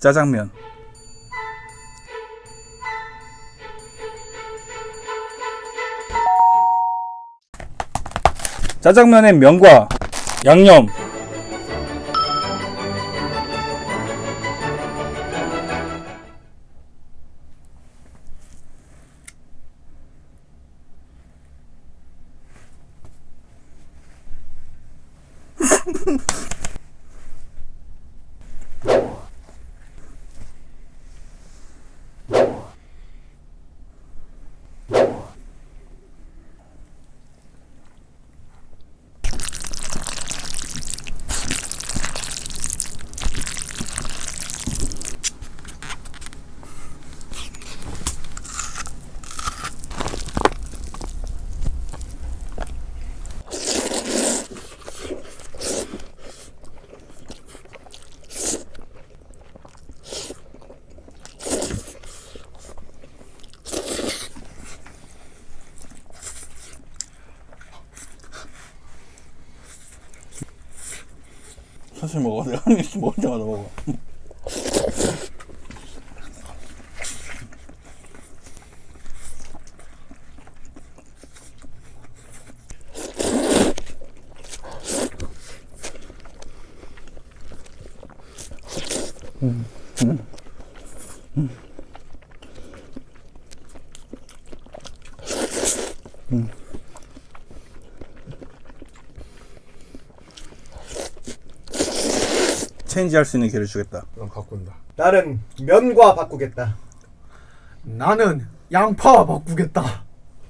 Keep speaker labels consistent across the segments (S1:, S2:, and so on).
S1: 짜장면. 짜장면의 면과 양념. 사실 먹어. 내가 한 입씩 먹을 때마다 먹어. 체인지 할 수 있는 기회를 주겠다.
S2: 난 바꾼다.
S3: 나는 면과 바꾸겠다.
S2: 나는 양파 바꾸겠다.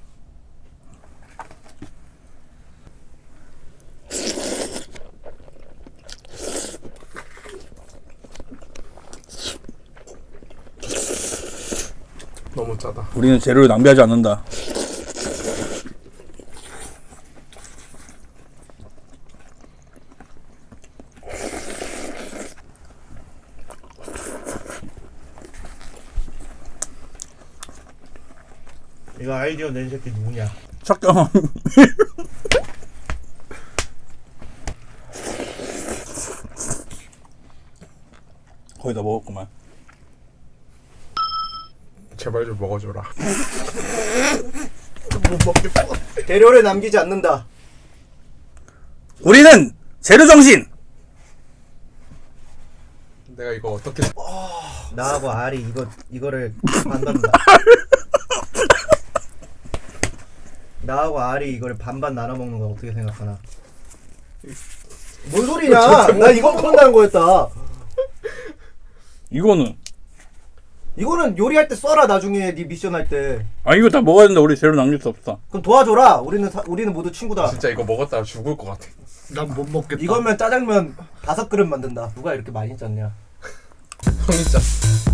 S2: 너무 짜다.
S1: 우리는 재료를 낭비하지 않는다.
S3: 이거 아이디어 낸 새끼 누구냐?
S1: 잠깐만. 거의 다 먹었구만.
S2: 제발 좀 먹어줘라. 못 먹겠어.
S3: 재료를 남기지 않는다.
S1: 우리는 재료 정신.
S2: 내가 이거 어떻게
S3: 나하고 알이 이거를 반반다. 나하고 알이 이거를 반반 나눠 먹는 거 어떻게 생각하나? 뭔 소리냐? 나 이건 끝난 거였다.
S1: 이거는
S3: 요리할 때 써라 나중에 네 미션 할 때.
S1: 아 이거 다 먹어야 된다. 우리 재료 남길 수 없어.
S3: 그럼 도와줘라. 우리는 모두 친구다.
S2: 진짜 이거 먹었다가 죽을 것 같아. 난 못 먹겠다.
S3: 이거면 짜장면 5그릇 만든다. 누가 이렇게 많이 짰냐?
S2: 형이 짰어.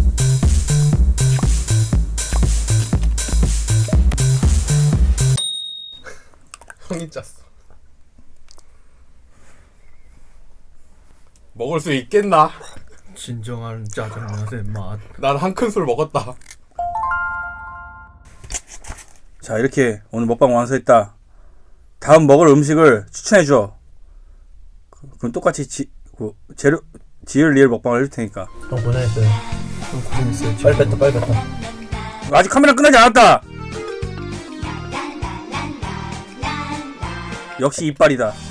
S2: 형이 짰어. 먹을 수 있겠나?
S4: 진정한 짜장면의 맛.
S2: 난 한 큰술 먹었다.
S1: 자 이렇게 오늘 먹방 완수했다. 다음 먹을 음식을 추천해줘. 그럼 똑같이 재료 지을 리을 먹방을 해줄 테니까.
S3: 형 고생했어요.
S4: 좀 고생했어요.
S3: 빨리 뱉어.
S1: 아직 카메라 끝나지 않았다. 역시 이빨이다.